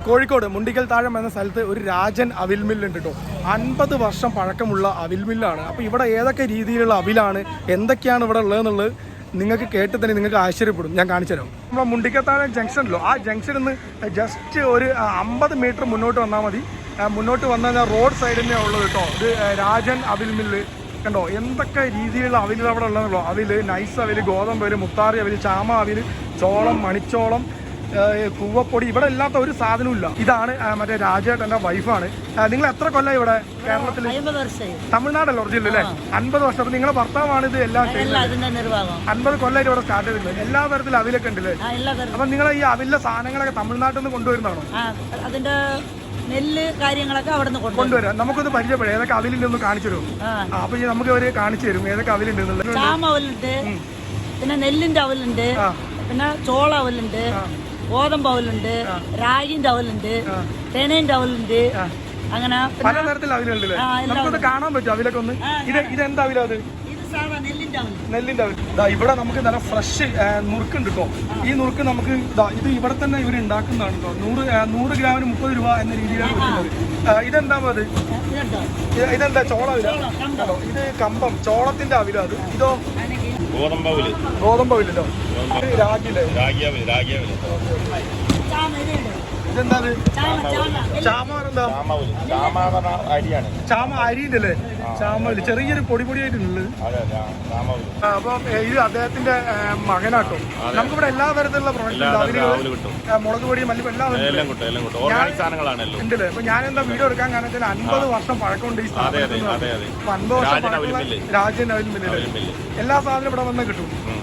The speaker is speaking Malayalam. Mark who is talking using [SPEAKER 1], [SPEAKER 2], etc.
[SPEAKER 1] കോഴിക്കോട് മുണ്ടിക്കൽ താഴം എന്ന സ്ഥലത്ത് ഒരു രാജൻ അവിൽ മില്ലുണ്ട് കേട്ടോ. 50 വർഷം പഴക്കമുള്ള അവിൽ മില്ലാണ്. അപ്പോൾ ഇവിടെ ഏതൊക്കെ രീതിയിലുള്ള അവിലാണ്, എന്തൊക്കെയാണ് ഇവിടെ ഉള്ളതെന്നുള്ളത് നിങ്ങൾക്ക് കേട്ട് തന്നെ നിങ്ങൾക്ക് ആശ്ചര്യപ്പെടും. ഞാൻ കാണിച്ചു തരാം. നമ്മുടെ മുണ്ടിക്കത്താഴം ജംഗ്ഷനിലോ ആ ജംഗ്ഷനിൽ നിന്ന് ജസ്റ്റ് ഒരു 50 മീറ്റർ മുന്നോട്ട് വന്നാൽ മതി. മുന്നോട്ട് വന്നാൽ റോഡ് സൈഡിൽ തന്നെയാണ് ഉള്ളത് കേട്ടോ. ഇത് രാജൻ അവിൽ മില്ല് കണ്ടോ. എന്തൊക്കെ രീതിയിലുള്ള അവിൽ അവിടെ ഉള്ളതെന്നുള്ളൂ. അവിൽ, നൈസ് അവിൽ, ഗോതമ്പ് അവിൽ, മുത്താറി അവിൽ, ചാമ അവിൽ, ചോളം, മണിച്ചോളം, കൂവപ്പൊടി, ഇവിടെ ഇല്ലാത്ത ഒരു സാധനവും ഇല്ല. ഇതാണ് മറ്റേ രാജേട്ടൻ്റെ വൈഫാണ്. നിങ്ങൾ എത്ര കൊല്ലം ഇവിടെ കേരളത്തിൽ? തമിഴ്നാടല്ല ഒറിജിനൽ അല്ലേ? 50 വർഷം. അപ്പൊ നിങ്ങളെ ഭർത്താവാണ് ഇത് എല്ലാം ചെയ്യുന്നത്. 50 കൊല്ലമായിട്ട് ഇവിടെ സ്റ്റാർട്ട് ചെയ്തിട്ടുണ്ട്. എല്ലാ തരത്തിലും അവിലൊക്കെ ഉണ്ടല്ലേ? അപ്പൊ നിങ്ങൾ ഈ അവിലെ സാധനങ്ങളൊക്കെ തമിഴ്നാട്ടിൽ നിന്ന് കൊണ്ടുവരുന്നതാണോ?
[SPEAKER 2] അതിന്റെ നെല്ല് കാര്യങ്ങളൊക്കെ അവിടെ നിന്ന്
[SPEAKER 1] കൊണ്ടുവരാം. നമുക്കൊന്ന് പരിചയപ്പെടാം. ഏതൊക്കെ അവിലുണ്ടെന്ന് കാണിച്ചു തരും. അപ്പൊ നമുക്ക് അവര് കാണിച്ചു തരും ഏതൊക്കെ അവിലുണ്ട്.
[SPEAKER 2] ചാമ അവലുണ്ട്, പിന്നെ നെല്ലിന്റെ അവലുണ്ട്, പിന്നെ ചോള അവലുണ്ട്, ഗോതമ്പ് അവലുണ്ട്, രാഗിന്റെ അവലുണ്ട്, തേനേന്റെ അവലുണ്ട്. അങ്ങനെ
[SPEAKER 1] പലതരത്തിൽ അവിലുണ്ടല്ലേ? നമുക്കൊന്ന് കാണാൻ പറ്റും അവിലൊക്കെ ഒന്ന്. ഇതെന്താ അവില? അത് നെല്ലിന്റെ അവിൽ. ഇവിടെ നമുക്ക് നല്ല ഫ്രഷ് നുറുക്കുണ്ട് കേട്ടോ. ഈ നുറുക്ക് നമുക്ക് ഇത് ഇവിടെ തന്നെ ഇവർ ഉണ്ടാക്കുന്നതാണ് കേട്ടോ. 100 ഗ്രാമിന് 30 രൂപ എന്ന രീതിയിലാണ് കൊടുക്കുന്നത്. ഇതെന്താ അത്? ഇതെന്താ ചോള അവില? ഇത് കമ്പം ചോളത്തിന്റെ അവില. അത് ഇതോ ഗോതമ്പവിലോ? രാഗിയിലെ ഇതെന്താ? ചാമ അരിയുണ്ട് അല്ലേ? ചാമ ചെറിയൊരു പൊടിയായിട്ടുള്ളത്. അപ്പൊ ഇത് അദ്ദേഹത്തിന്റെ മകനാട്ടോ. നമുക്കിവിടെ എല്ലാ തരത്തിലുള്ള പ്രൊഡക്റ്റ്, മുളക് പൊടി, മല്ലിപ്പൊടി എല്ലാം ഉണ്ടല്ലേ? അപ്പൊ ഞാൻ എന്താ വീഡിയോ എടുക്കാൻ കാരണം 50 വർഷം പഴക്കമുണ്ട് ഈ സ്ഥാപനത്തിൽ. 50 വർഷം പഴക്കമുള്ള രാജൻ അവിൽ മില്ല്. എല്ലാ സാധനവും ഇവിടെ വന്ന് കിട്ടും.